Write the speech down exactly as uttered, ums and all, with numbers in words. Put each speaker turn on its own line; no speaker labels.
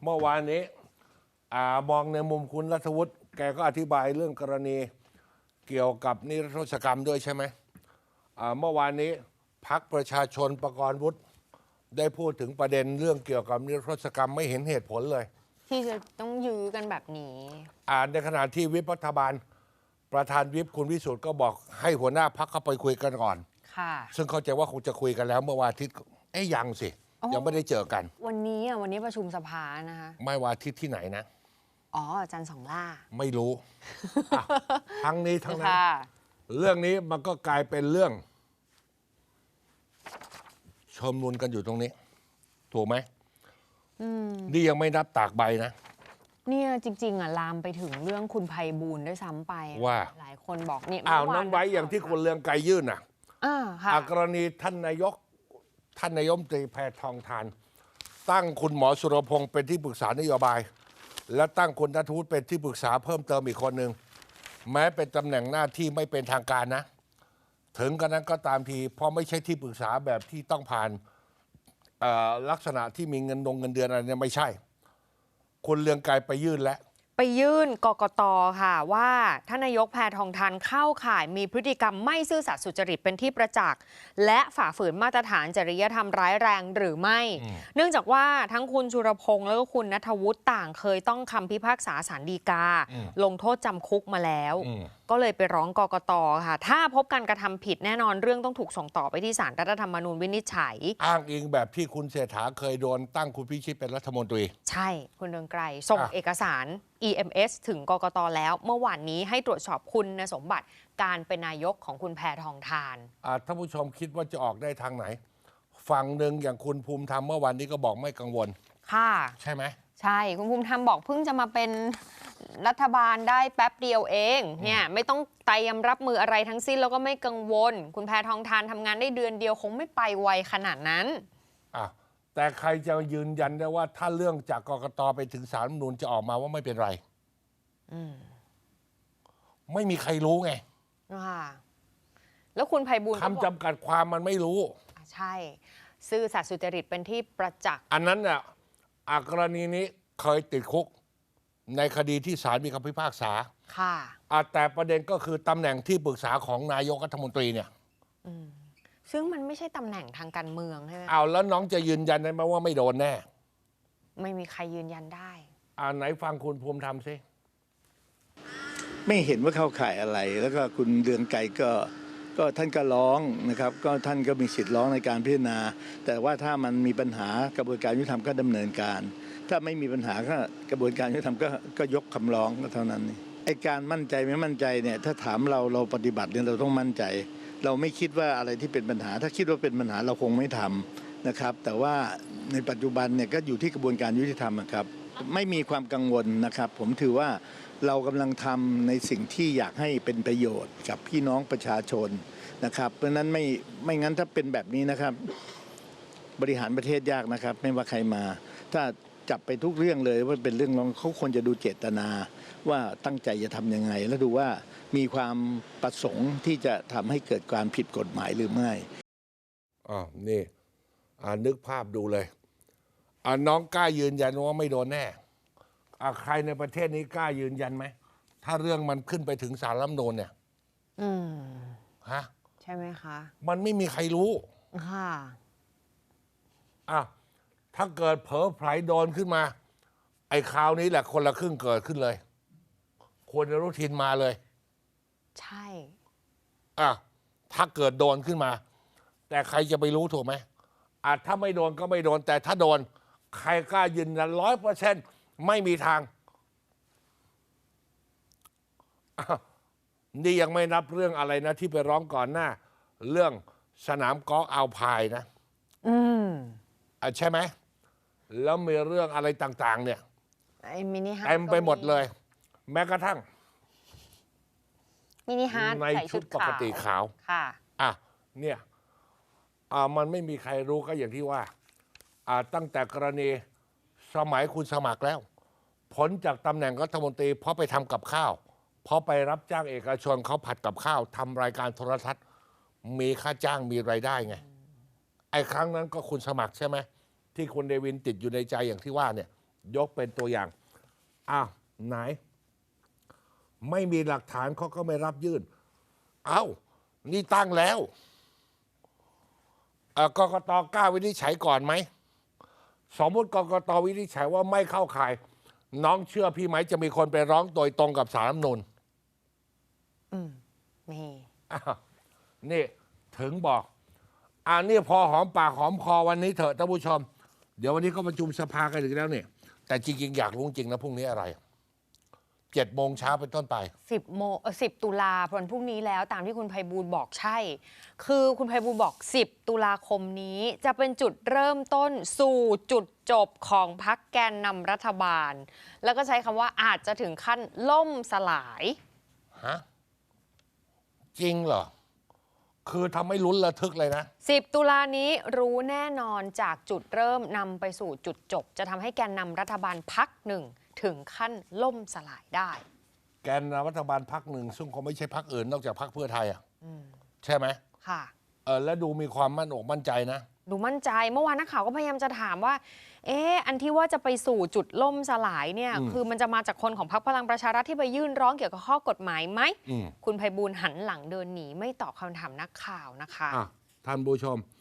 เมื่อวานนี้อ่ามองในมุมคุณรัฐวุฒิแกก็อธิบายเรื่องกรณีเกี่ยวกับนิรโทษกรรมด้วยใช่ไหมอ่าเมื่อวานนี้พรรคประชาชนประกรณ์วุฒิได้พูดถึงประเด็นเรื่องเกี่ยวกับนิรโทษกรรมไม่เห็นเหตุผลเลย
ที่จะต้องยื้อกันแบบนี้
อ่าในขณะที่วิปรัฐบาลประธานวิปคุณวิสุทธ์ก็บอกให้หัวหน้าพรรคเข้าไปคุยกันก่อน
ค่ะ
ซึ่งเข้าใจว่าคงจะคุยกันแล้วเมื่อวันอาทิตย์เอ๊ยยังสิยังไม่ได้เจอกัน
วันนี้อ่ะวันนี้ประชุมสภานะคะ
ไม่วันอาทิตย์ที่ไหนนะ
อ๋ออาจารย์สองล่า
ไม่รู้ ทั้งนี้ทั้งนั้นเรื่องนี้มันก็กลายเป็นเรื่องชมนุนกันอยู่ตรงนี้ถูกไหมนี่ยังไม่นับตากใบนะ
เนี่ยจริงๆอ่ะลามไปถึงเรื่องคุณไพบูลย์ด้วยซ้ำไป
ว่า
หลายคนบอกเนี่ย
อ้าวน้องไว้อย่างที่คุณเรืองไกรยื่นอ่ะ
อ่าค่ะ
กรณีท่านนายกท่านนายกตรีแพทองทานตั้งคุณหมอสุรพงศ์เป็นที่ปรึกษานโยบายและตั้งคุณณัฐวุฒิเป็นที่ปรึกษาเพิ่มเติมอีกคนหนึ่งแม้เป็นตำแหน่งหน้าที่ไม่เป็นทางการนะถึงกระนั้นก็ตามทีเพราะไม่ใช่ที่ปรึกษาแบบที่ต้องผ่านลักษณะที่มีเงินดงเงินเดือนอะไรเนี่ยไม่ใช่คุณเรืองไกรไปยื่นแล้ว
ไปยื่นกกต.ค่ะว่าท่านนายกแพทองทานเข้าข่ายมีพฤติกรรมไม่ซื่อสัตย์สุจริตเป็นที่ประจักษ์และฝ่าฝืนมาตรฐานจริยธรรมร้ายแรงหรือไม่เนื่องจากว่าทั้งคุณชุรพงษ์แล้วก็คุณณัฐวุฒิต่างเคยต้องคำพิพากษาศาลฎีกาลงโทษจำคุกมาแล้วก็เลยไปร้องกกต.ค่ะถ้าพบการกระทำผิดแน่นอนเรื่องต้องถูกส่งต่อไปที่ศาลรัฐธรรมนูญวินิจฉัย
อ้างอิงแบบที่คุณเศรษฐาเคยโดนตั้งคุณพิชิตเป็นรัฐมนตรี
ใช่คุณเรืองไกรส่งเอกสาร อี เอ็ม เอส ถึงกกต.แล้วเมื่อวานนี้ให้ตรวจสอบคุณสมบัติการเป็นนายกของคุณแพทองทาน
ท่านผู้ชมคิดว่าจะออกได้ทางไหนฝั่งหนึ่งอย่างคุณภูมิธรรมเมื่อวันนี้ก็บอกไม่กังวล
ค่ะ
ใช่ไหม
ใช่คุณภูมิธรรมบอกเพิ่งจะมาเป็นรัฐบาลได้แป๊บเดียวเองเนี่ยไม่ต้องเตรียมรับมืออะไรทั้งสิ้นแล้วก็ไม่กังวลคุณแพทองทานทำงานได้เดือนเดียวคงไม่ไปไวขนาดนั้น
อ่ะแต่ใครจะยืนยันได้ว่าถ้าเรื่องจากกกต.ไปถึงศาลรัฐธรรมนูญจะออกมาว่าไม่เป็นไรไม่มีใครรู้ไง
ค่ะแล้วคุณไพบูลย์
คำจำกัดความมันไม่รู้
ใช่ซื่อสัตย์สุจริตเป็นที่ประจักษ์
อันนั้นน่ะกรณีนี้เคยติดคุกในคดีที่ศาลมีคำพิพากษา
ค่ะ
แต่ประเด็นก็คือตำแหน่งที่ปรึกษาของนายกรัฐมนตรีเนี่ย
ซึ่งมันไม่ใช่ตำแหน่งทางการเมืองใช่ไหม
เอาแล้วน้องจะยืนยันได้ไหมว่าไม่โดนแน่
ไม่มีใครยืนยันได้
อ่าไหนฟังคุณภูมิธรรมสิ
ไม่เห็นว่าเข้าข่ายอะไรแล้วก็คุณเรืองไกรก็ก็ท่านก็ร้องนะครับก็ท่านก็มีสิทธิ์ร้องในการพิจารณาแต่ว่าถ้ามันมีปัญหากระบวนการยุติธรรมก็ดำเนินการถ้าไม่มีปัญหาก็กระบวนการยุติธรรมก็ก็ยกคำร้องก็เท่านั้นไอ้การมั่นใจไม่มั่นใจเนี่ยถ้าถามเราเราปฏิบัติเนี่ยเราต้องมั่นใจเราไม่คิดว่าอะไรที่เป็นปัญหาถ้าคิดว่าเป็นปัญหาเราคงไม่ทำนะครับแต่ว่าในปัจจุบันเนี่ยก็อยู่ที่กระบวนการยุติธรรมครับไม่มีความกังวลนะครับผมถือว่าเรากำลังทำในสิ่งที่อยากให้เป็นประโยชน์กับพี่น้องประชาชนนะครับเพราะนั้นไม่ไม่งั้นถ้าเป็นแบบนี้นะครับบริหารประเทศยากนะครับไม่ว่าใครมาถ้าจับไปทุกเรื่องเลยว่าเป็นเรื่องร้องเขาควรจะดูเจตนาว่าตั้งใจจะทำยังไงแล้วดูว่ามีความประสงค์ที่จะทำให้เกิดการผิดกฎหมายหรือไม่
อ๋อนี่อ่านึกภาพดูเลยอ่าน้องกล้ายืนยันว่าไม่โดนแน่อ่าใครในประเทศนี้กล้ายืนยันไหมถ้าเรื่องมันขึ้นไปถึงศาลรัฐธรรมนูญเนี่ย
อืม
ฮะ
ใช่ไหมคะ
มันไม่มีใครรู้
ค่ะ
อ่ะถ้าเกิดเผลอไผลโดนขึ้นมาไอ้คราวนี้แหละคนละครึ่งเกิดขึ้นเลยควรจะรู้ทินมาเลย
ใช่
อ่ะถ้าเกิดโดนขึ้นมาแต่ใครจะไปรู้ถูกไหมอ่ะถ้าไม่โดนก็ไม่โดนแต่ถ้าโดนใครกล้ายืนยันร้อยเปอร์เซ็นต์ไม่มีทางนี่ยังไม่นับเรื่องอะไรนะที่ไปร้องก่อนหน้าเรื่องสนามกอล์ฟอัลไพน์นะ
อืม
อ่ะใช่ไหมแล้วมีเรื่องอะไรต่างๆเนี่ย
ไอ้มินิฮาร์ท
เต็มไปหมดเลยแม้กระทั่ง
มินิฮาร์ท
ในชุดปกติขาว
ค่ะ
อ่ะเนี่ยอ่ามันไม่มีใครรู้ก็อย่างที่ว่าอ่าตั้งแต่กรณีสมัยคุณสมัครแล้วผลจากตำแหน่งรัฐมนตรีเพราะไปทำกับข้าวเพราะไปรับจ้างเอกชนเขาผัดกับข้าวทำรายการโทรทัศน์มีค่าจ้างมีรายได้ไงไอ้ครั้งนั้นก็คุณสมัครใช่ไหมที่คุณเดวินติดอยู่ในใจอย่างที่ว่าเนี่ยยกเป็นตัวอย่างอ้าวไหน ไม่มีหลักฐานเขาก็ไม่รับยื่น เอ้า นี่ตั้งแล้วเอ่อกกตกล้าวินิจฉัยก่อนไหม สมมติกกตวินิจฉัยว่าไม่เข้าข่าย น้องเชื่อพี่ไหมจะมีคนไปร้องโดยตรงกับศาลรัฐธรรมนูญ
อืมมี
อ้าวนี่ถึงบอกอ่านี่พอหอมปากหอมคอวันนี้เถอะท่านผู้ชม เดี๋ยววันนี้ก็ประชุมสภากันอีกแล้วเนี่ยแต่จริงๆอยากรู้จริงนะพรุ่งนี้อะไรเจ็ดโมงเช้าเป็นต้นไป
สิบโมงสิบตุลาวันพรุ่งนี้แล้วตามที่คุณไพบูลย์บอกใช่ คือคุณไพบูลย์บอกสิบตุลาคมนี้จะเป็นจุดเริ่มต้นสู่จุดจบของพรรคแกนนำรัฐบาล แล้วก็ใช้คำว่าอาจจะถึงขั้นล่มสลาย
ฮะ จริงเหรอ คือทำให้ลุ้นระทึกเลยนะ
สิบตุลานี้รู้แน่นอนจากจุดเริ่มนำไปสู่จุดจบ จะทำให้แกนนำรัฐบาลพรรคหนึ่งถึงขั้นล่มสลายได้
แกนนำรัฐบาลพักหนึ่งซึ่งคงไม่ใช่พักอื่นนอกจากพักเพื่อไทยอ่ะใช่ไหม
ค่ะ
เออแล้วดูมีความมั่นอกมั่นใจนะ
ดูมั่นใจเมื่อวานนักข่าวก็พยายามจะถามว่า เอ๊ะอันที่ว่าจะไปสู่จุดล่มสลายเนี่ย
อืม
คือมันจะมาจากคนของพรรคพลังประชารัฐที่ไปยื่นร้องเกี่ยวกับข้อกฎหมายไหม
อืม
คุณไพบูลย์หันหลังเดินหนีไม่ตอบคำถามนักข่าวนะคะ
อ่ะท่านผู้ชม